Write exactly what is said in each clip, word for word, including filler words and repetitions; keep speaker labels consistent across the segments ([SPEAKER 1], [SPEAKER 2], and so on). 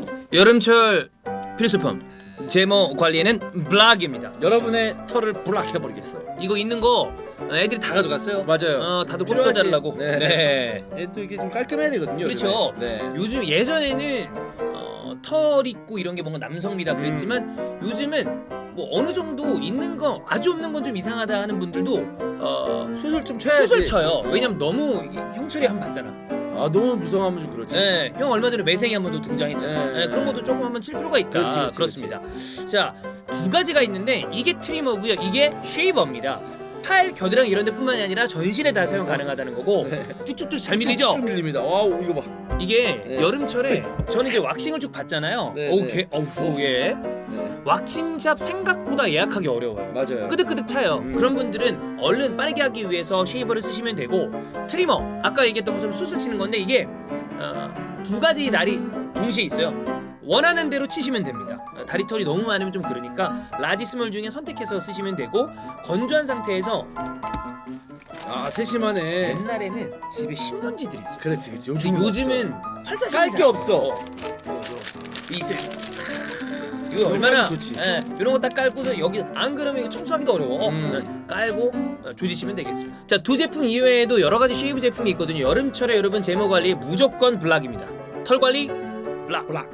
[SPEAKER 1] 여름철 필수품 제모 관리에는 블락입니다.
[SPEAKER 2] 여러분의 털을 블락해버리겠어요.
[SPEAKER 1] 이거 있는 거 애들이 다 가져갔어요.
[SPEAKER 2] 맞아요.
[SPEAKER 1] 어, 다들 고추가 자르려고.
[SPEAKER 2] 네.
[SPEAKER 1] 네.
[SPEAKER 2] 얘 또 이게 좀 깔끔해야 되거든요.
[SPEAKER 1] 그렇죠.
[SPEAKER 2] 요즘에. 네.
[SPEAKER 1] 요즘 예전에는 어, 털 있고 이런 게 뭔가 남성미다 그랬지만 요즘은 뭐 어느 정도 있는 거 아주 없는 건 좀 이상하다 하는 분들도 어,
[SPEAKER 2] 수술 좀 쳐야지.
[SPEAKER 1] 수술 쳐요. 왜냐면 너무 이- 형철이 한 번 봤잖아.
[SPEAKER 2] 아 너무 무성하면 좀 그렇지.
[SPEAKER 1] 네, 형 얼마 전에 매생이 한 번도 등장했잖아.
[SPEAKER 2] 네.
[SPEAKER 1] 네, 그런 것도 조금 한번 칠 필요가 있다.
[SPEAKER 2] 그렇지, 그렇지,
[SPEAKER 1] 그렇습니다. 자, 두 가지가 있는데 이게 트리머고요. 이게 쉐이버입니다. 팔, 겨드랑이 이런 데뿐만이 아니라 전신에 다 사용 가능하다는 거고
[SPEAKER 2] 네.
[SPEAKER 1] 쭉쭉쭉 잘 밀리죠?
[SPEAKER 2] 쭉 밀립니다. 와 이거 봐.
[SPEAKER 1] 이게
[SPEAKER 2] 네.
[SPEAKER 1] 여름철에 저는 이제 왁싱을 쭉 받잖아요.
[SPEAKER 2] 네,
[SPEAKER 1] 어우,
[SPEAKER 2] 네.
[SPEAKER 1] 개, 어우, 예.
[SPEAKER 2] 네.
[SPEAKER 1] 왁싱샵 생각보다 예약하기 어려워요.
[SPEAKER 2] 맞아요.
[SPEAKER 1] 끄득끄득 차요.
[SPEAKER 2] 음.
[SPEAKER 1] 그런 분들은 얼른 빠르게 하기 위해서 쉐이버를 쓰시면 되고 트리머 아까 얘기했던 것처럼 수술 치는 건데 이게 어, 두 가지 날이 동시에 있어요. 원하는 대로 치시면 됩니다. 어, 다리 털이 너무 많으면 좀 그러니까 라지 스몰 중에 선택해서 쓰시면 되고 건조한 상태에서
[SPEAKER 2] 아 세심하네.
[SPEAKER 1] 옛날에는 집에 신문지들이 있었어요.
[SPEAKER 2] 그렇지 그렇지.
[SPEAKER 1] 요즘 요즘은 활자식
[SPEAKER 2] 깔 게 없어.
[SPEAKER 1] 이슬 이거 얼마나
[SPEAKER 2] 좋지.
[SPEAKER 1] 예, 이런 거 딱 깔고서 여기 안 그러면 이거 청소하기도 어려워.
[SPEAKER 2] 음.
[SPEAKER 1] 예, 깔고 어, 조지시면 되겠습니다. 자, 두 제품 이외에도 여러 가지 쉐이브 제품이 있거든요. 여름철에 여러분 제모 관리 무조건 블락입니다. 털 관리 블락. 블락.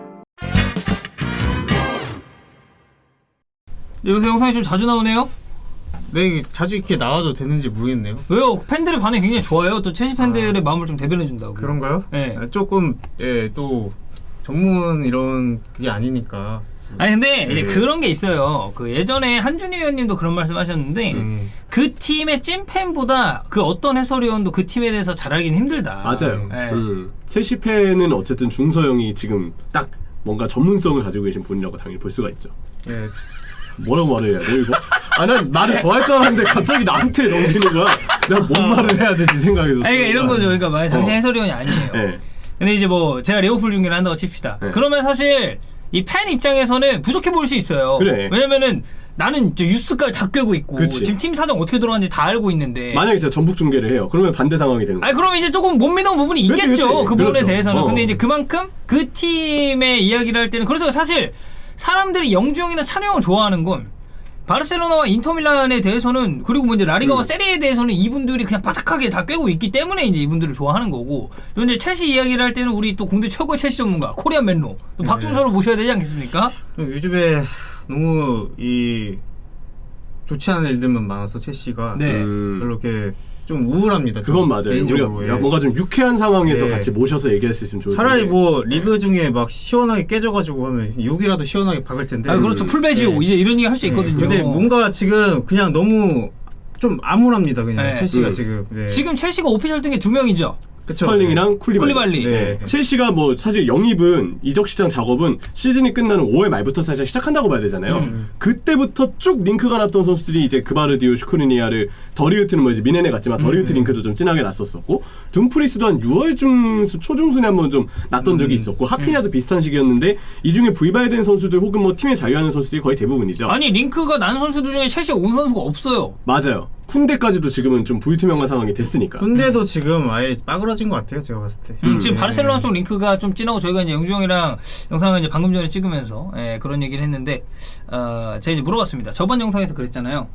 [SPEAKER 3] 요새 영상이 좀 자주 나오네요?
[SPEAKER 4] 네, 이게 자주 이렇게 나와도 되는지 모르겠네요.
[SPEAKER 3] 왜요? 팬들의 반응이 굉장히 좋아요. 또 첼시 팬들의 마음을 좀 대변해준다고.
[SPEAKER 4] 그런가요?
[SPEAKER 3] 네.
[SPEAKER 4] 아, 조금 예, 또 전문 이런 그게 아니니까.
[SPEAKER 3] 아니 근데 이제
[SPEAKER 4] 네.
[SPEAKER 3] 그런 게 있어요. 그 예전에 한준희 의원님도 그런 말씀하셨는데
[SPEAKER 4] 네.
[SPEAKER 3] 그 팀의 찐팬보다 그 어떤 해설위원도 그 팀에 대해서 잘 알기는 힘들다.
[SPEAKER 5] 맞아요.
[SPEAKER 3] 네.
[SPEAKER 5] 음. 첼시 팬은 어쨌든 중서영이 지금 딱 뭔가 전문성을 가지고 계신 분이라고 당연히 볼 수가 있죠.
[SPEAKER 4] 예.
[SPEAKER 5] 뭐라고 말을 해야 돼 이거? 아 난 말을 더 할 줄 알았는데 갑자기 나한테 넘기는 거야. 내가 뭔 말을 해야 되지 생각이 들었어.
[SPEAKER 3] 아니 그러니까 이런 거죠. 그러니까 만약 당신
[SPEAKER 5] 어.
[SPEAKER 3] 해설위원이 아니에요.
[SPEAKER 5] 네.
[SPEAKER 3] 근데 이제 뭐 제가 리버풀 중계를 한다고 칩시다.
[SPEAKER 5] 네.
[SPEAKER 3] 그러면 사실 이 팬 입장에서는 부족해 보일 수 있어요.
[SPEAKER 5] 그래.
[SPEAKER 3] 왜냐면은 나는 이제 뉴스까지 다 꿰고 있고
[SPEAKER 5] 그치.
[SPEAKER 3] 지금 팀 사정 어떻게 돌아가는지 다 알고 있는데
[SPEAKER 5] 만약에 제가 전북 중계를 해요. 그러면 반대 상황이 되는 거야.
[SPEAKER 3] 아니 그럼 이제 조금 못 믿는 부분이
[SPEAKER 5] 그렇지,
[SPEAKER 3] 있겠죠.
[SPEAKER 5] 그렇지.
[SPEAKER 3] 그 부분에
[SPEAKER 5] 그렇죠.
[SPEAKER 3] 대해서는.
[SPEAKER 5] 어.
[SPEAKER 3] 근데 이제 그만큼 그 팀의 이야기를 할 때는 그래서 사실 사람들이 영주형이나 찬우 형을 좋아하는 건 바르셀로나와 인터밀란에 대해서는 그리고 뭐 이제 라리가와
[SPEAKER 5] 음.
[SPEAKER 3] 세리에 대해서는 이분들이 그냥 바삭하게 다 꿰고 있기 때문에 이제 이분들을 좋아하는 거고 또 이제 첼시 이야기를 할 때는 우리 또 국내 최고의 첼시 전문가 코리안 맨로 또 박준서를 모셔야 되지 않겠습니까?
[SPEAKER 4] 좀 요즘에 너무 이 좋지 않은 일들만 많아서 첼시가
[SPEAKER 3] 네.
[SPEAKER 5] 음.
[SPEAKER 4] 별로 이렇게 좀 우울합니다.
[SPEAKER 5] 그건
[SPEAKER 4] 좀
[SPEAKER 5] 맞아요.
[SPEAKER 4] 개인적으로.
[SPEAKER 5] 우리가
[SPEAKER 4] 예.
[SPEAKER 5] 뭔가 좀 유쾌한 상황에서
[SPEAKER 4] 예.
[SPEAKER 5] 같이 모셔서 얘기할 수 있으면 좋을 텐데.
[SPEAKER 4] 차라리 뭐 리그 중에 막 시원하게 깨져가지고 하면 욕이라도 시원하게 박을 텐데.
[SPEAKER 3] 아 그렇죠. 풀베지오
[SPEAKER 4] 네.
[SPEAKER 3] 이제 이런 얘기 할 수 있거든요.
[SPEAKER 4] 근데 뭔가 지금 그냥 너무 좀 암울합니다. 그냥
[SPEAKER 3] 네.
[SPEAKER 4] 첼시가
[SPEAKER 5] 음.
[SPEAKER 4] 지금. 네.
[SPEAKER 3] 지금 첼시가 오피셜 등에 두 명이죠.
[SPEAKER 4] 그쵸?
[SPEAKER 5] 스털링이랑 쿨리발리.
[SPEAKER 3] 쿨리발리.
[SPEAKER 4] 네.
[SPEAKER 5] 첼시가 뭐 사실 영입은 이적 시장 작업은 시즌이 끝나는 오월 말부터 사실 시작한다고 봐야 되잖아요.
[SPEAKER 4] 음.
[SPEAKER 5] 그때부터 쭉 링크가 났던 선수들이 이제 그바르디오, 슈크리니아를 더리우트는 뭐 이제 미네네 같지만 더리우트
[SPEAKER 4] 음.
[SPEAKER 5] 링크도 좀 진하게 났었었고 둠프리스도 한 유월 중순 초중순에 한번 좀 났던 적이
[SPEAKER 4] 음.
[SPEAKER 5] 있었고 하피냐도 비슷한 시기였는데 이 중에 불발된 선수들 혹은 뭐 팀에 자유하는 선수들이 거의 대부분이죠.
[SPEAKER 3] 아니 링크가 난 선수들 중에 첼시에 온 선수가 없어요.
[SPEAKER 5] 맞아요. 쿤데까지도 지금은 좀 불투명한 상황이 됐으니까.
[SPEAKER 4] 근데도 지금 아예 빠그러진 것 같아요. 제가 봤을 때.
[SPEAKER 3] 음, 지금
[SPEAKER 4] 네.
[SPEAKER 3] 바르셀로나 쪽 링크가 좀 진하고 저희가 이제 영주 형이랑 영상을 이제 방금 전에 찍으면서 예, 그런 얘기를 했는데 어, 제가 이제 물어봤습니다. 저번 영상에서 그랬잖아요.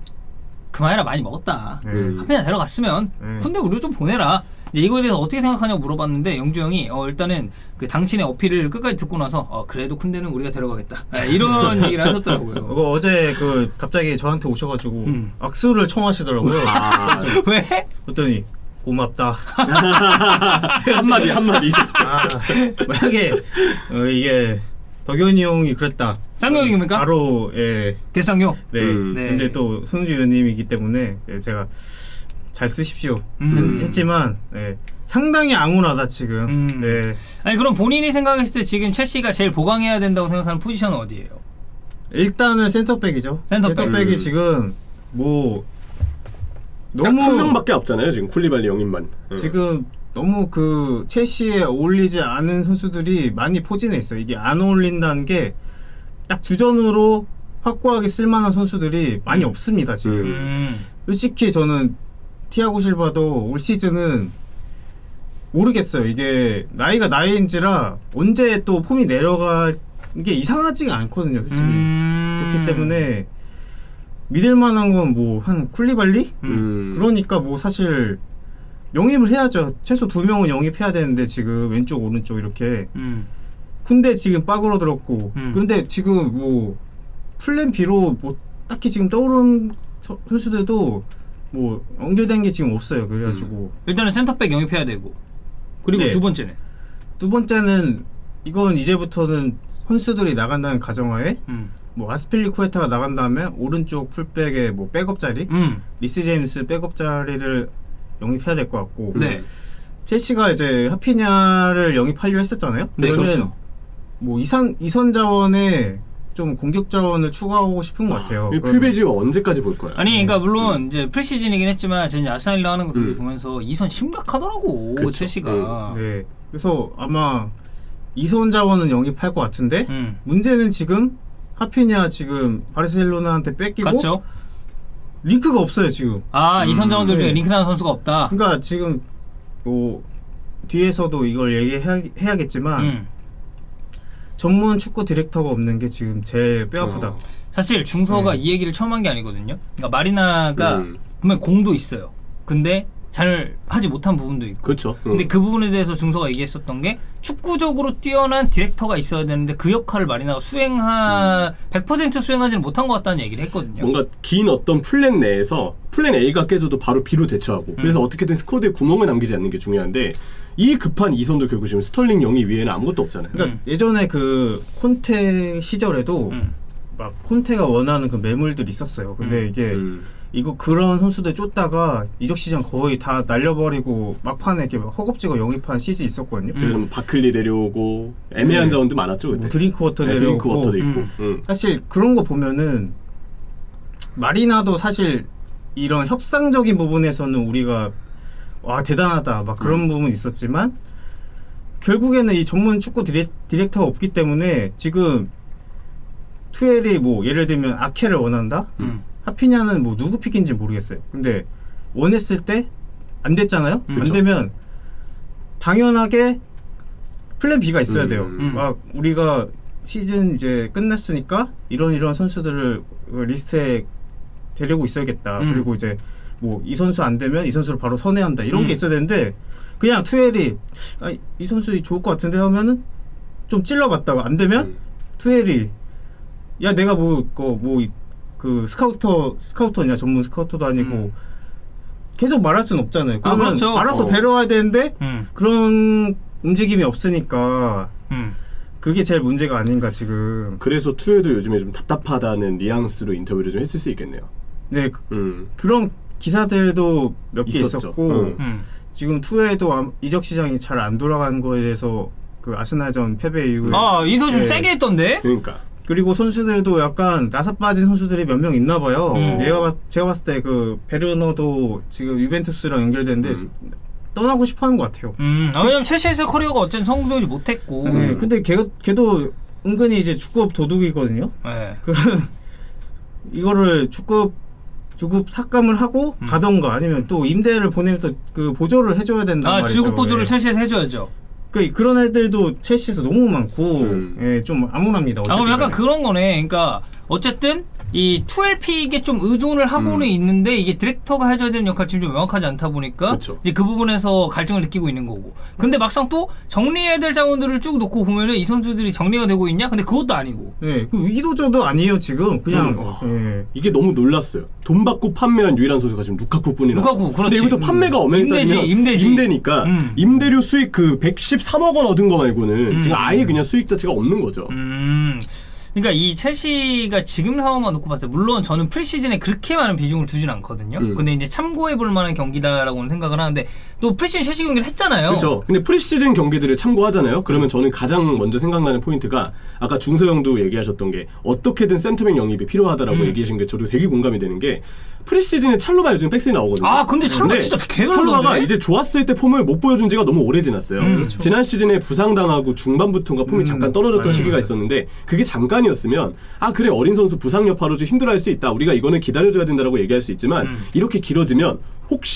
[SPEAKER 3] 그만해라 많이 먹었다.
[SPEAKER 4] 네.
[SPEAKER 5] 음.
[SPEAKER 3] 하피나 데려갔으면
[SPEAKER 4] 네.
[SPEAKER 3] 근데 우리도 좀 보내라. 이제 이거에 대해서 어떻게 생각하냐고 물어봤는데 영주 형이 어, 일단은 그 당신의 어필을 끝까지 듣고 나서 어, 그래도 쿤데는 우리가 데려가겠다. 예, 이런 얘기를 하셨더라고요.
[SPEAKER 4] 그거 어제 그 갑자기 저한테 오셔가지고
[SPEAKER 3] 음.
[SPEAKER 4] 악수를 청하시더라고요.
[SPEAKER 5] 아,
[SPEAKER 3] 왜?
[SPEAKER 4] 그랬더니 고맙다.
[SPEAKER 5] 한마디 한마디.
[SPEAKER 4] 아, 만약에 어, 이게 덕현이 형이 그랬다.
[SPEAKER 3] 쌍욕입니까?
[SPEAKER 4] 바로 예,
[SPEAKER 3] 대쌍욕.
[SPEAKER 4] 네.
[SPEAKER 5] 음.
[SPEAKER 3] 네.
[SPEAKER 4] 근데 또 손흥주 의원님이기 때문에 예, 제가 잘 쓰십시오
[SPEAKER 3] 음.
[SPEAKER 4] 했지만 예, 상당히 암울하다 지금.
[SPEAKER 3] 음.
[SPEAKER 4] 네.
[SPEAKER 3] 아니 그럼 본인이 생각했을 때 지금 첼시가 제일 보강해야 된다고 생각하는 포지션은 어디예요?
[SPEAKER 4] 일단은 센터백이죠.
[SPEAKER 3] 센터백.
[SPEAKER 4] 센터백이
[SPEAKER 5] 음.
[SPEAKER 4] 지금 뭐
[SPEAKER 5] 딱 한
[SPEAKER 4] 너무
[SPEAKER 5] 명밖에 없잖아요 지금 쿨리발리 영입만. 응.
[SPEAKER 4] 지금 너무 그 첼시에 어울리지 않은 선수들이 많이 포진해 있어요. 이게 안 어울린다는 게 딱 주전으로 확고하게 쓸만한 선수들이 많이 없습니다 지금.
[SPEAKER 5] 음.
[SPEAKER 3] 음.
[SPEAKER 4] 솔직히 저는 티아고 실바도 올 시즌은 모르겠어요. 이게 나이가 나이인지라 언제 또 폼이 내려갈 게 이상하지가 않거든요, 솔직히.
[SPEAKER 3] 음...
[SPEAKER 4] 그렇기 때문에 믿을 만한 건 뭐 한 쿨리발리?
[SPEAKER 5] 음.
[SPEAKER 4] 그러니까 뭐 사실 영입을 해야죠. 최소 두 명은 영입해야 되는데 지금 왼쪽 오른쪽 이렇게
[SPEAKER 3] 음.
[SPEAKER 4] 군대 지금 빠그러 들었고
[SPEAKER 3] 음.
[SPEAKER 4] 그런데 지금 뭐 플랜 B로 뭐 딱히 지금 떠오른 서- 선수들도 뭐 연결된 게 지금 없어요. 그래가지고
[SPEAKER 3] 일단은 센터백 영입해야 되고 그리고
[SPEAKER 4] 네.
[SPEAKER 3] 두 번째는
[SPEAKER 4] 두 번째는 이건 이제부터는 선수들이 나간다는 가정하에
[SPEAKER 3] 음.
[SPEAKER 4] 뭐 아스필리쿠에타가 나간 다음에 오른쪽 풀백에 뭐 백업 자리
[SPEAKER 3] 음.
[SPEAKER 4] 리스 제임스 백업 자리를 영입해야 될 것 같고
[SPEAKER 3] 네.
[SPEAKER 4] 첼시가 이제 하피냐를 영입하려 했었잖아요.
[SPEAKER 3] 네,
[SPEAKER 4] 그러면
[SPEAKER 3] 그렇죠.
[SPEAKER 4] 뭐 이선 이선 자원에 좀 공격 자원을 추가하고 싶은 것 같아요.
[SPEAKER 5] 이
[SPEAKER 4] 그러면-
[SPEAKER 5] 풀베지가 언제까지 볼 거야?
[SPEAKER 3] 아니 그러니까 물론 이제 프리시즌이긴 했지만 제가 이제 아스날이랑 하는 거 경기
[SPEAKER 5] 음.
[SPEAKER 3] 보면서 이선 심각하더라고
[SPEAKER 5] 그쵸.
[SPEAKER 3] 첼시가.
[SPEAKER 4] 네. 그래서 아마 이선 자원은 영입할 것 같은데
[SPEAKER 3] 음.
[SPEAKER 4] 문제는 지금 하피냐 지금 바르셀로나한테 뺏기고
[SPEAKER 3] 맞죠?
[SPEAKER 4] 링크가 없어요 지금.
[SPEAKER 3] 아
[SPEAKER 5] 음,
[SPEAKER 3] 이선 자원들 중에
[SPEAKER 4] 네.
[SPEAKER 3] 링크나는 선수가 없다.
[SPEAKER 4] 그러니까 지금 뭐 뒤에서도 이걸 얘기해야겠지만
[SPEAKER 3] 음.
[SPEAKER 4] 전문 축구 디렉터가 없는 게 지금 제일 뼈아프다.
[SPEAKER 5] 어.
[SPEAKER 3] 사실 중서가
[SPEAKER 4] 네.
[SPEAKER 3] 이 얘기를 처음 한 게 아니거든요. 그러니까 마리나가
[SPEAKER 5] 음.
[SPEAKER 3] 분명 공도 있어요. 근데 잘 하지 못한 부분도 있고.
[SPEAKER 5] 그렇죠.
[SPEAKER 3] 근데
[SPEAKER 5] 음.
[SPEAKER 3] 그 부분에 대해서 중서가 얘기했었던 게 축구적으로 뛰어난 디렉터가 있어야 되는데 그 역할을 마리나가 수행하 백 퍼센트 수행하지는 못한 것 같다는 얘기를 했거든요.
[SPEAKER 5] 뭔가 긴 어떤 플랜 내에서 플랜 A가 깨져도 바로 B로 대처하고 그래서 어떻게든 스쿼드에 구멍을 남기지 않는 게 중요한데 이 급한 이선도 결국 지금 스털링 영입 위에는 아무것도 없잖아요.
[SPEAKER 4] 그러니까
[SPEAKER 3] 음.
[SPEAKER 4] 예전에 그 콘테 시절에도
[SPEAKER 3] 음.
[SPEAKER 4] 막 콘테가 원하는 그 매물들이 있었어요. 근데
[SPEAKER 3] 음.
[SPEAKER 4] 이게
[SPEAKER 5] 음.
[SPEAKER 4] 이거 그런 선수들 쫓다가 이적 시장 거의 다 날려버리고 막판에 이렇게 막 허겁지겁 영입한 시즌 있었거든요.
[SPEAKER 3] 음.
[SPEAKER 5] 그래서 뭐 바클리 내려오고 애매한
[SPEAKER 4] 네.
[SPEAKER 5] 자원도 많았죠 그때.
[SPEAKER 4] 뭐 드링크 워터
[SPEAKER 5] 네,
[SPEAKER 4] 내려오고
[SPEAKER 5] 드링크 워터도 있고.
[SPEAKER 3] 음.
[SPEAKER 5] 음.
[SPEAKER 4] 사실 그런 거 보면은 마리나도 사실 이런 협상적인 부분에서는 우리가 와 대단하다 막 그런
[SPEAKER 5] 음.
[SPEAKER 4] 부분이 있었지만 결국에는 이 전문 축구 디렉, 디렉터가 없기 때문에 지금 투엘이 뭐 예를 들면 아케를 원한다?
[SPEAKER 3] 음.
[SPEAKER 4] 하피냐는 뭐 누구 픽인지 모르겠어요. 근데 원했을 때 안 됐잖아요.
[SPEAKER 3] 음,
[SPEAKER 4] 안
[SPEAKER 5] 그쵸.
[SPEAKER 4] 되면 당연하게 플랜 B가 있어야
[SPEAKER 5] 음,
[SPEAKER 4] 돼요.
[SPEAKER 5] 음.
[SPEAKER 4] 막 우리가 시즌 이제 끝났으니까 이런 이런 선수들을 리스트에 데리고 있어야겠다.
[SPEAKER 3] 음.
[SPEAKER 4] 그리고 이제 뭐 이 선수 안 되면 이 선수를 바로 선회한다. 이런
[SPEAKER 3] 음.
[SPEAKER 4] 게 있어야 되는데 그냥 투엘이 아, 이 선수 좋을 것 같은데 하면은 좀 찔러봤다가 안 되면
[SPEAKER 5] 음.
[SPEAKER 4] 투엘이 야 내가 뭐그 그 스카우터 스카우터냐 전문 스카우터도 아니고
[SPEAKER 3] 음.
[SPEAKER 4] 계속 말할 수는 없잖아요.
[SPEAKER 3] 아,
[SPEAKER 4] 그러면
[SPEAKER 3] 그렇죠.
[SPEAKER 4] 알아서
[SPEAKER 5] 어.
[SPEAKER 4] 데려와야 되는데
[SPEAKER 3] 음.
[SPEAKER 4] 그런 움직임이 없으니까
[SPEAKER 3] 음.
[SPEAKER 4] 그게 제일 문제가 아닌가 지금.
[SPEAKER 5] 그래서 투에도 요즘에 좀 답답하다는 뉘앙스로 인터뷰를 좀 했을 수 있겠네요.
[SPEAKER 4] 네 그,
[SPEAKER 5] 음.
[SPEAKER 4] 그런 기사들도 몇 개
[SPEAKER 5] 있었죠.
[SPEAKER 4] 있었고
[SPEAKER 5] 응.
[SPEAKER 3] 음.
[SPEAKER 4] 지금 투에도 암- 이적 시장이 잘 안 돌아가는 거에 대해서 그 아스날전 패배 이후에
[SPEAKER 3] 아 인터 좀
[SPEAKER 4] 네.
[SPEAKER 3] 세게 했던데.
[SPEAKER 5] 그러니까.
[SPEAKER 4] 그리고 선수들도 약간 나사 빠진 선수들이 몇 명 있나 봐요.
[SPEAKER 3] 음.
[SPEAKER 4] 내가 봤, 제가 봤을 때 그 베르너도 지금 유벤투스랑 연결되는데
[SPEAKER 5] 음.
[SPEAKER 4] 떠나고 싶어하는 것 같아요.
[SPEAKER 3] 음. 아, 왜냐면 첼시에서 커리어가 어쨌든 성공적이지 못했고.
[SPEAKER 4] 네, 근데 걔, 걔도 은근히 이제 축구업 도둑이거든요.
[SPEAKER 3] 네.
[SPEAKER 4] 그럼 이거를 축구업 주급 삭감을 하고
[SPEAKER 3] 음.
[SPEAKER 4] 가던가 아니면 또 임대를 보내면 또 그 보조를 해줘야 된단
[SPEAKER 3] 아
[SPEAKER 4] 말이죠.
[SPEAKER 3] 주국 보조를
[SPEAKER 4] 예.
[SPEAKER 3] 첼시에서 해줘야죠.
[SPEAKER 4] 그 그런 애들도 첼시에서 너무 많고
[SPEAKER 5] 음.
[SPEAKER 4] 예, 좀 암울합니다.
[SPEAKER 3] 아 그럼
[SPEAKER 4] 어쨌든
[SPEAKER 3] 약간
[SPEAKER 4] 간에.
[SPEAKER 3] 그런 거네. 그러니까 어쨌든 이 투엘픽에 좀 의존을 하고는
[SPEAKER 5] 음.
[SPEAKER 3] 있는데 이게 디렉터가 해줘야 되는 역할이 지금 좀 명확하지 않다 보니까
[SPEAKER 5] 그쵸.
[SPEAKER 3] 이제 그 부분에서 갈증을 느끼고 있는 거고. 근데 막상 또 정리해야 될 자원들을 쭉 놓고 보면은 이 선수들이 정리가 되고 있냐? 근데 그것도 아니고.
[SPEAKER 4] 예, 그 위도저도 아니에요 지금 그냥
[SPEAKER 5] 음, 어.
[SPEAKER 4] 예.
[SPEAKER 5] 이게 너무 놀랐어요. 돈 받고 판매한 유일한 선수가 지금 루카쿠뿐이라.
[SPEAKER 3] 루카쿠, 그렇지.
[SPEAKER 5] 근데 이것도 판매가 엄연히
[SPEAKER 3] 임대지,
[SPEAKER 5] 따지면
[SPEAKER 3] 임대지.
[SPEAKER 5] 임대니까
[SPEAKER 3] 음.
[SPEAKER 5] 임대료 수익 그 백십삼억 원 얻은 거 말고는
[SPEAKER 3] 음.
[SPEAKER 5] 지금 아예 그냥 수익 자체가 없는 거죠.
[SPEAKER 3] 음. 그러니까 이 첼시가 지금 상황만 놓고 봤을 때 물론 저는 프리시즌에 그렇게 많은 비중을 두진 않거든요.
[SPEAKER 5] 음.
[SPEAKER 3] 근데 이제 참고해 볼 만한 경기다라고는 생각을 하는데 또 프리시즌 첼시 경기를 했잖아요.
[SPEAKER 5] 그렇죠. 근데 프리시즌 경기들을 참고하잖아요. 그러면 저는 가장 먼저 생각나는 포인트가 아까 중서영도 얘기하셨던 게 어떻게든 센터백 영입이 필요하다라고
[SPEAKER 3] 음.
[SPEAKER 5] 얘기하신 게 저도 되게 공감이 되는 게 프리시즌에 찰로바 요즘 백스에 나오거든요.
[SPEAKER 3] 아, 근데 찰로바
[SPEAKER 5] 근데
[SPEAKER 3] 진짜 개놀던데?
[SPEAKER 5] 찰로바가 이제 좋았을 때 폼을 못 보여준 지가 너무 오래 지났어요.
[SPEAKER 3] 음, 그렇죠.
[SPEAKER 5] 지난 시즌에 부상당하고 중반부터인가 폼이
[SPEAKER 4] 음,
[SPEAKER 5] 잠깐 떨어졌던
[SPEAKER 4] 맞아요,
[SPEAKER 5] 시기가
[SPEAKER 4] 맞아요.
[SPEAKER 5] 있었는데 그게 잠깐이었으면 아 그래 어린 선수 부상 여파로 좀 힘들어할 수 있다. 우리가 이거는 기다려줘야 된다라고 얘기할 수 있지만
[SPEAKER 3] 음.
[SPEAKER 5] 이렇게 길어지면 혹시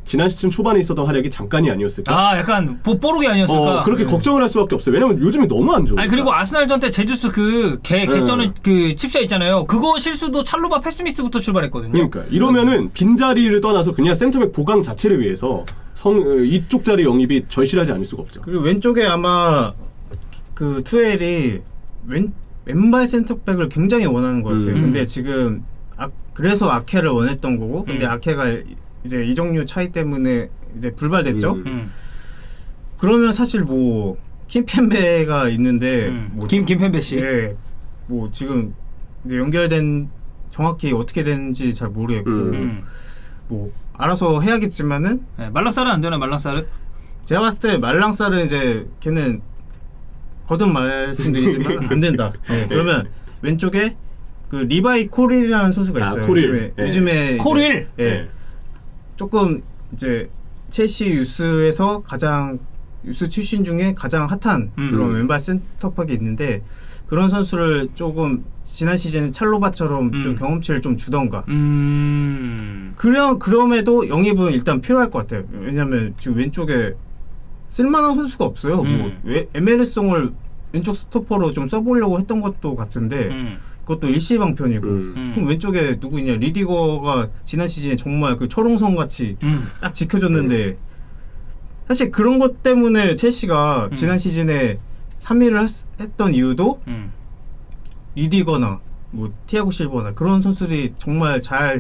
[SPEAKER 5] 지난 시즌 초반에 있었던 활약이 잠깐이 아니었을까?
[SPEAKER 3] 아 약간 보- 뽀록이 아니었을까?
[SPEAKER 5] 어, 그렇게 걱정을 할 수밖에 없어요. 왜냐면 요즘에 너무 안 좋아.
[SPEAKER 3] 아니 그리고 아스날전 때 제주스 그개 개쩌는
[SPEAKER 5] 네.
[SPEAKER 3] 그 칩샷 있잖아요. 그거 실수도 찰로바 패스미스부터 출발했거든요.
[SPEAKER 5] 그러니까 이러면은 빈자리를 떠나서 그냥 센터백 보강 자체를 위해서 성 어, 이쪽 자리 영입이 절실하지 않을 수가 없죠.
[SPEAKER 4] 그리고 왼쪽에 아마 그 투엘이 왼 왼발 센터백을 굉장히 원하는 것 같아요.
[SPEAKER 5] 음.
[SPEAKER 4] 근데 지금 아, 그래서 아케를 원했던 거고, 근데
[SPEAKER 3] 음.
[SPEAKER 4] 아케가 이제 이적료 차이 때문에 이제 불발됐죠.
[SPEAKER 5] 음.
[SPEAKER 3] 음.
[SPEAKER 4] 그러면 사실 뭐 킴펜베가 있는데
[SPEAKER 3] 음.
[SPEAKER 4] 뭐
[SPEAKER 3] 김 김펜베 씨.
[SPEAKER 4] 예, 뭐 지금 이제 연결된 정확히 어떻게 되는지 잘 모르겠고
[SPEAKER 5] 음.
[SPEAKER 3] 음.
[SPEAKER 4] 뭐 알아서 해야겠지만은
[SPEAKER 3] 네, 말랑사르 안 되나 말랑사르?
[SPEAKER 4] 제가 봤을 때 말랑사르 이제 걔는 거듭 말씀드리지만 안 된다. 예, 그러면 왼쪽에 그 리바이 코릴이라는 선수가
[SPEAKER 5] 아,
[SPEAKER 4] 있어요.
[SPEAKER 5] 코릴.
[SPEAKER 4] 요즘에,
[SPEAKER 5] 예.
[SPEAKER 4] 요즘에
[SPEAKER 3] 코릴?
[SPEAKER 4] 이제, 예, 조금 이제 첼시 유스에서 가장 유스 출신 중에 가장 핫한
[SPEAKER 3] 음.
[SPEAKER 4] 그런 왼발 센터백이 있는데 그런 선수를 조금 지난 시즌 찰로바처럼
[SPEAKER 3] 음.
[SPEAKER 4] 좀 경험치를 좀 주던가.
[SPEAKER 3] 음.
[SPEAKER 4] 그럼 그럼에도 영입은 일단 필요할 것 같아요. 왜냐면 지금 왼쪽에 쓸만한 선수가 없어요.
[SPEAKER 3] 음.
[SPEAKER 4] 뭐 왜- 에메르송을 왼쪽 스토퍼로 좀 써보려고 했던 것도 같은데
[SPEAKER 3] 음.
[SPEAKER 4] 그것도 일시방편이고.
[SPEAKER 5] 음.
[SPEAKER 3] 음.
[SPEAKER 4] 그럼 왼쪽에 누구 있냐? 리디거가 지난 시즌에 정말 그 철옹성 같이
[SPEAKER 3] 음.
[SPEAKER 4] 딱 지켜줬는데 사실 그런 것 때문에 첼시가
[SPEAKER 3] 음.
[SPEAKER 4] 지난 시즌에 삼 위를 했, 했던 이유도
[SPEAKER 3] 음.
[SPEAKER 4] 리디거나 뭐 티아고 실버나 그런 선수들이 정말 잘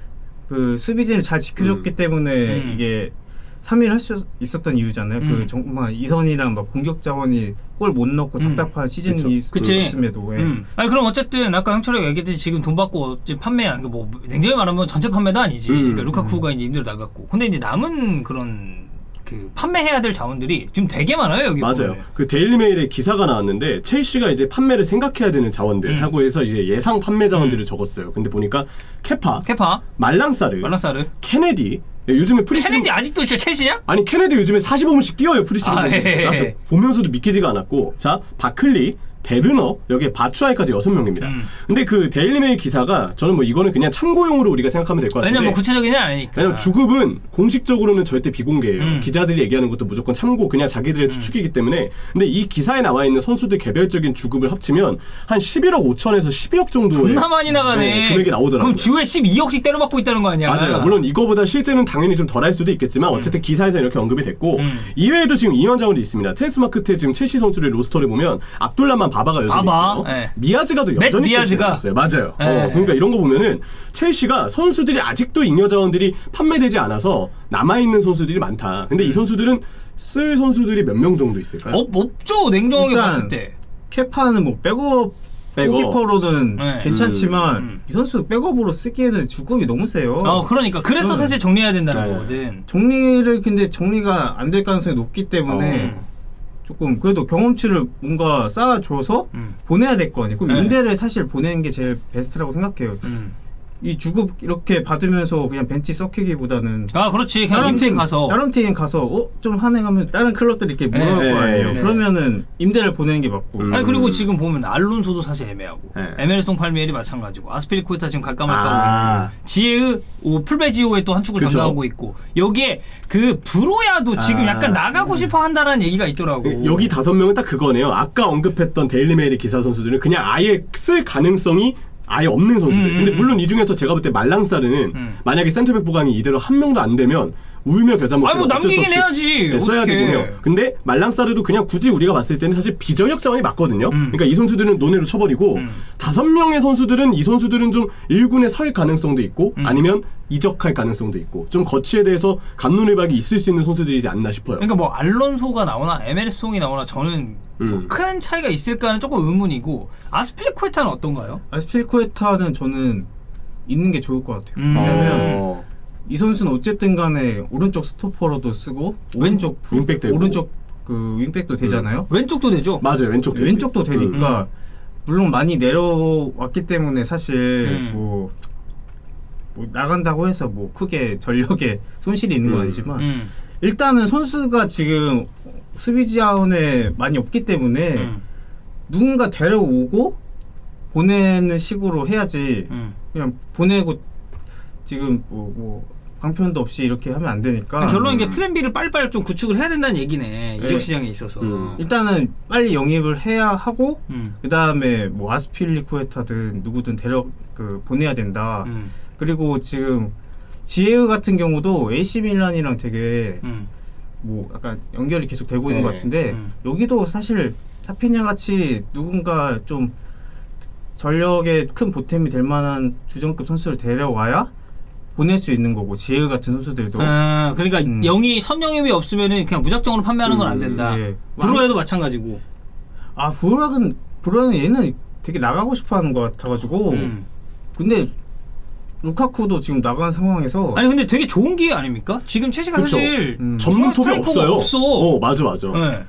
[SPEAKER 4] 그 수비진을 잘 지켜줬기
[SPEAKER 5] 음.
[SPEAKER 4] 때문에
[SPEAKER 3] 음.
[SPEAKER 4] 이게 삼 위를 할 수 있었던 이유잖아요.
[SPEAKER 3] 음.
[SPEAKER 4] 그 정말 이선이랑 막 공격 자원이 골 못 넣고
[SPEAKER 3] 음.
[SPEAKER 4] 답답한 시즌이
[SPEAKER 3] 그치.
[SPEAKER 4] 있음에도 예.
[SPEAKER 3] 음. 아니 그럼 어쨌든 아까 형철이가 얘기했듯이 지금 돈 받고 지금 판매한 뭐 냉정히 말하면 전체 판매도 아니지.
[SPEAKER 5] 음.
[SPEAKER 3] 그러니까 루카쿠가 이제 임대로 나갔고. 근데 이제 남은 그런 그 판매해야 될 자원들이 지금 되게 많아요 여기
[SPEAKER 5] 맞아요.
[SPEAKER 3] 보면은.
[SPEAKER 5] 그 데일리메일에 기사가 나왔는데 첼시가 이제 판매를 생각해야 되는 자원들
[SPEAKER 3] 음.
[SPEAKER 5] 하고 해서 이제 예상 판매 자원들을 적었어요. 근데 보니까 케파,
[SPEAKER 3] 케파,
[SPEAKER 5] 말랑사르,
[SPEAKER 3] 말랑사르,
[SPEAKER 5] 케네디. 요즘에 프리시즌
[SPEAKER 3] 케네디 아직도 진짜 첼시냐?
[SPEAKER 5] 아니 케네디 요즘에 사십오 분씩 뛰어요 프리시즌.
[SPEAKER 3] 아, 예, 예.
[SPEAKER 5] 그래서 보면서도 믿기지가 않았고 자 바클리, 베르너 여기에 바추아이까지 여섯 명입니다.
[SPEAKER 3] 음.
[SPEAKER 5] 근데 그 데일리메일 기사가 저는 뭐 이거는 그냥 참고용으로 우리가 생각하면 될 것 같은데.
[SPEAKER 3] 왜냐면 뭐 구체적이지 않으니까.
[SPEAKER 5] 왜냐면 주급은 공식적으로는 절대 비공개예요.
[SPEAKER 3] 음.
[SPEAKER 5] 기자들이 얘기하는 것도 무조건 참고 그냥 자기들의 추측이기 때문에. 근데 이 기사에 나와 있는 선수들 개별적인 주급을 합치면 한 십일억 오천에서 십이억 정도의
[SPEAKER 3] 존나 많이 나가네.
[SPEAKER 5] 네, 금액이 나오더라고요.
[SPEAKER 3] 그럼 주에 십이억씩 때려받고 있다는 거 아니야?
[SPEAKER 5] 맞아요. 물론 이거보다 실제는 당연히 좀 덜할 수도 있겠지만 어쨌든 기사에서 이렇게 언급이 됐고
[SPEAKER 3] 음.
[SPEAKER 5] 이외에도 지금 이원 자원이 있습니다. 트랜스마크트에 지금 첼시 선수들의 로스터를 보면 압둘라만 바바가 여전히
[SPEAKER 3] 바바,
[SPEAKER 5] 있고요.
[SPEAKER 3] 예.
[SPEAKER 5] 미아즈가도
[SPEAKER 3] 맥
[SPEAKER 5] 여전히
[SPEAKER 3] 미아즈가.
[SPEAKER 5] 있어요. 맞아요.
[SPEAKER 3] 예.
[SPEAKER 5] 어, 그러니까 이런 거 보면은 첼시가 선수들이 아직도 잉여 자원들이 판매되지 않아서 남아 있는 선수들이 많다. 근데 이 선수들은 쓸 선수들이 몇 명 정도 있을까요?
[SPEAKER 3] 어, 없죠 냉정하게
[SPEAKER 4] 일단
[SPEAKER 3] 봤을 때.
[SPEAKER 4] 케파는 뭐 백업
[SPEAKER 5] 백업.
[SPEAKER 4] 골키퍼로는
[SPEAKER 3] 네.
[SPEAKER 4] 괜찮지만
[SPEAKER 3] 음.
[SPEAKER 4] 이 선수 백업으로 쓰기에는 주급이 너무 세요.
[SPEAKER 3] 어 그러니까 그래서
[SPEAKER 4] 음.
[SPEAKER 3] 사실 정리해야 된다는
[SPEAKER 5] 네.
[SPEAKER 3] 거거든.
[SPEAKER 4] 정리를 근데 정리가 안 될 가능성이 높기 때문에
[SPEAKER 3] 어.
[SPEAKER 4] 조금 그래도 경험치를 뭔가 쌓아줘서
[SPEAKER 3] 음.
[SPEAKER 4] 보내야 될 거 아니에요. 그럼
[SPEAKER 3] 네.
[SPEAKER 4] 임대를 사실 보내는 게 제일 베스트라고 생각해요.
[SPEAKER 3] 음.
[SPEAKER 4] 이 주급 이렇게 받으면서 그냥 벤치 썩히기보다는
[SPEAKER 3] 아 그렇지 그냥
[SPEAKER 4] 다른
[SPEAKER 3] 임대
[SPEAKER 4] 팀
[SPEAKER 3] 가서.
[SPEAKER 4] 다른 팀 가서 어 좀 한해가면 다른 클럽들이 이렇게
[SPEAKER 3] 네.
[SPEAKER 4] 물어올
[SPEAKER 5] 네.
[SPEAKER 4] 거 아니에요.
[SPEAKER 3] 네.
[SPEAKER 4] 그러면은 임대를 보내는 게 맞고.
[SPEAKER 5] 음.
[SPEAKER 3] 아니 그리고 지금 보면 알론소도 사실 애매하고
[SPEAKER 5] 네.
[SPEAKER 3] 에메르송 팔미엘이 마찬가지고 아스피리쿠에타 지금 갈까 말까
[SPEAKER 5] 아.
[SPEAKER 3] 하고 있고 지에의 오, 풀베지오에 또 한 축을
[SPEAKER 5] 그쵸.
[SPEAKER 3] 담당하고 있고 여기에 그 브로야도 지금
[SPEAKER 5] 아.
[SPEAKER 3] 약간 나가고 싶어 한다라는 얘기가 있더라고.
[SPEAKER 5] 여기 다섯 명은 딱 그거네요. 아까 언급했던 데일리메일의 기사 선수들은 그냥 아예 쓸 가능성이 아예 없는 선수들.
[SPEAKER 3] 음,
[SPEAKER 5] 근데
[SPEAKER 3] 음,
[SPEAKER 5] 물론 이 중에서 제가 볼 때 말랑사르는
[SPEAKER 3] 음.
[SPEAKER 5] 만약에 센터백 보강이 이대로 한 명도 안 되면 울며 겨자 먹고
[SPEAKER 3] 아니 뭐 남기긴 해야지.
[SPEAKER 5] 써야
[SPEAKER 3] 어떡해.
[SPEAKER 5] 되고요. 근데 말랑사르도 그냥 굳이 우리가 봤을 때는 사실 비전력 자원이 맞거든요.
[SPEAKER 3] 음.
[SPEAKER 5] 그러니까 이 선수들은 논외로 쳐버리고
[SPEAKER 3] 음.
[SPEAKER 5] 다섯 명의 선수들은 이 선수들은 좀 일 군에 설 가능성도 있고
[SPEAKER 3] 음.
[SPEAKER 5] 아니면 이적할 가능성도 있고 좀 거치에 대해서 감론을박이 있을 수 있는 선수들이지 않나 싶어요.
[SPEAKER 3] 그러니까 뭐 알론소가 나오나 에메르송이 나오나 저는 뭐
[SPEAKER 5] 음.
[SPEAKER 3] 큰 차이가 있을까는 조금 의문이고 아스피리쿠에타는 어떤가요?
[SPEAKER 4] 아스필코에타는 저는 있는 게 좋을 것 같아요.
[SPEAKER 3] 음.
[SPEAKER 4] 왜냐면
[SPEAKER 5] 어.
[SPEAKER 4] 이 선수는 어쨌든 간에 오른쪽 스토퍼로도 쓰고 왼쪽 부-
[SPEAKER 5] 윙백 되고.
[SPEAKER 4] 오른쪽 그 윙백도 되잖아요.
[SPEAKER 3] 왼쪽도 되죠.
[SPEAKER 5] 맞아요. 왼쪽 되지.
[SPEAKER 4] 왼쪽도 되니까
[SPEAKER 3] 음.
[SPEAKER 4] 물론 많이 내려왔기 때문에 사실
[SPEAKER 3] 음.
[SPEAKER 4] 뭐, 뭐 나간다고 해서 뭐 크게 전력에 손실이 있는 건
[SPEAKER 5] 음.
[SPEAKER 4] 아니지만
[SPEAKER 3] 음.
[SPEAKER 4] 일단은 선수가 지금 수비 자원에 많이 없기 때문에
[SPEAKER 3] 음.
[SPEAKER 4] 누군가 데려오고 보내는 식으로 해야지
[SPEAKER 3] 음.
[SPEAKER 4] 그냥 보내고 지금 뭐, 뭐 방편도 없이 이렇게 하면 안 되니까
[SPEAKER 3] 그러니까 결론은 이게 플랜 B를 빨리빨리 좀 구축을 해야 된다는 얘기네. 이적
[SPEAKER 4] 네.
[SPEAKER 3] 시장에 있어서.
[SPEAKER 5] 음.
[SPEAKER 4] 일단은 빨리 영입을 해야 하고
[SPEAKER 3] 음.
[SPEAKER 4] 그 다음에 뭐 아스필리쿠에타든 누구든 데려 그 보내야 된다.
[SPEAKER 3] 음.
[SPEAKER 4] 그리고 지금 지에우 같은 경우도 에이씨 밀란이랑 되게
[SPEAKER 3] 음.
[SPEAKER 4] 뭐 약간 연결이 계속 되고 있는
[SPEAKER 2] 네.
[SPEAKER 4] 것 같은데
[SPEAKER 3] 음.
[SPEAKER 4] 여기도 사실 타피냐 같이 누군가 좀 전력에 큰 보탬이 될 만한 주전급 선수를 데려와야 보낼 수 있는 거고 지에우 같은 선수들도
[SPEAKER 3] 아, 그러니까
[SPEAKER 4] 음.
[SPEAKER 3] 영이 선영입이 없으면은 그냥 무작정으로 판매하는 건 안 된다.
[SPEAKER 4] 예.
[SPEAKER 3] 브루에도 마찬가지고.
[SPEAKER 4] 아 브루락은 브루락은 얘는 되게 나가고 싶어하는 것 같아가지고
[SPEAKER 3] 음.
[SPEAKER 4] 근데 루카쿠도 지금 나간 상황에서
[SPEAKER 3] 아니 근데 되게 좋은 기회 아닙니까? 지금 첼시가
[SPEAKER 5] 그쵸.
[SPEAKER 3] 사실
[SPEAKER 4] 음.
[SPEAKER 5] 전문 톱이
[SPEAKER 3] 스트라이커가
[SPEAKER 5] 없어요.
[SPEAKER 3] 없어.
[SPEAKER 5] 어 맞아 맞아.
[SPEAKER 3] 네.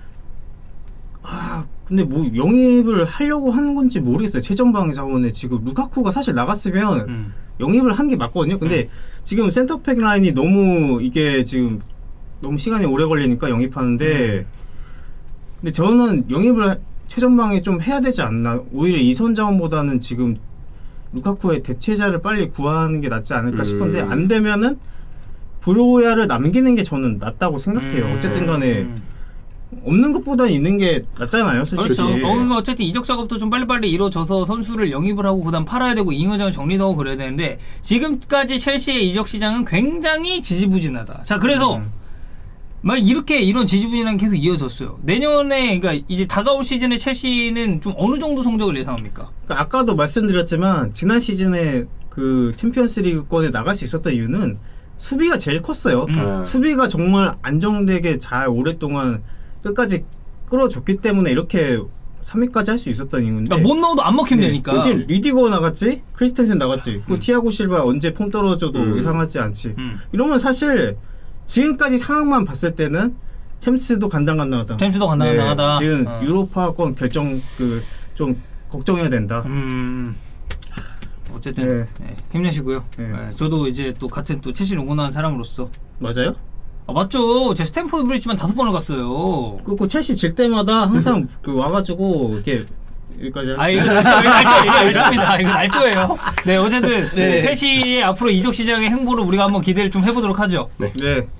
[SPEAKER 4] 아 근데 뭐 영입을 하려고 하는 건지 모르겠어요. 최전방 자원에 지금 루카쿠가 사실 나갔으면
[SPEAKER 3] 음.
[SPEAKER 4] 영입을 한 게 맞거든요. 근데 지금 센터백 라인이 너무 이게 지금 너무 시간이 오래 걸리니까 영입하는데 근데 저는 영입을 하- 최전방에 좀 해야 되지 않나. 오히려 이선 자원보다는 지금 루카쿠의 대체자를 빨리 구하는 게 낫지 않을까
[SPEAKER 5] 음.
[SPEAKER 4] 싶은데 안 되면은 브로야를 남기는 게 저는 낫다고 생각해요.
[SPEAKER 3] 음.
[SPEAKER 4] 어쨌든 간에 없는 것보다 있는 게 낫잖아요, 솔직히.
[SPEAKER 3] 그렇죠. 어, 그러니까 어쨌든 이적 작업도 좀 빨리빨리 이루어져서 선수를 영입을 하고 그다음 팔아야 되고 잉여장을 정리도 하고 그래야 되는데 지금까지 첼시의 이적 시장은 굉장히 지지부진하다. 자, 그래서
[SPEAKER 4] 음.
[SPEAKER 3] 막 이렇게 이런 지지부진한 게 계속 이어졌어요. 내년에 그러니까 이제 다가올 시즌에 첼시는 좀 어느 정도 성적을 예상합니까?
[SPEAKER 4] 그러니까 아까도 말씀드렸지만 지난 시즌에 그 챔피언스리그권에 나갈 수 있었던 이유는 수비가 제일 컸어요.
[SPEAKER 3] 음.
[SPEAKER 4] 수비가 정말 안정되게 잘 오랫동안 끝까지 끌어줬기 때문에 이렇게 삼 위까지 할 수 있었던 이유인데.
[SPEAKER 3] 그러니까 못 넣어도 안 먹히면
[SPEAKER 4] 네.
[SPEAKER 3] 되니까.
[SPEAKER 4] 그치, 리디거 나갔지, 크리스텐센 나갔지, 그
[SPEAKER 3] 음.
[SPEAKER 4] 티아고 실바 언제 폼 떨어져도
[SPEAKER 5] 음.
[SPEAKER 4] 이상하지 않지.
[SPEAKER 3] 음.
[SPEAKER 4] 이러면 사실 지금까지 상황만 봤을 때는 챔스도 간당간당하다.
[SPEAKER 3] 챔스도 간당간당하다.
[SPEAKER 4] 지금
[SPEAKER 3] 어.
[SPEAKER 4] 유로파권 결정 그 좀 걱정해야 된다.
[SPEAKER 3] 음. 어쨌든
[SPEAKER 4] 네.
[SPEAKER 3] 네, 힘내시고요.
[SPEAKER 4] 네.
[SPEAKER 3] 네, 저도 이제 또 같은 또 첼시를 응원하는 사람으로서
[SPEAKER 4] 맞아요?
[SPEAKER 3] 아, 맞죠. 제 스탠포드 브리지만 다섯 번을 갔어요.
[SPEAKER 4] 그, 그 첼시 질 때마다 항상 그 와가지고 이렇게 여기까지
[SPEAKER 3] 아 이거 날조, 이거 날조, 이거 날조입니다. 이거 날조예요. 네 어쨌든
[SPEAKER 4] 네.
[SPEAKER 3] 첼시의 앞으로 이적 시장의 행보를 우리가 한번 기대를 좀 해보도록 하죠.
[SPEAKER 4] 네.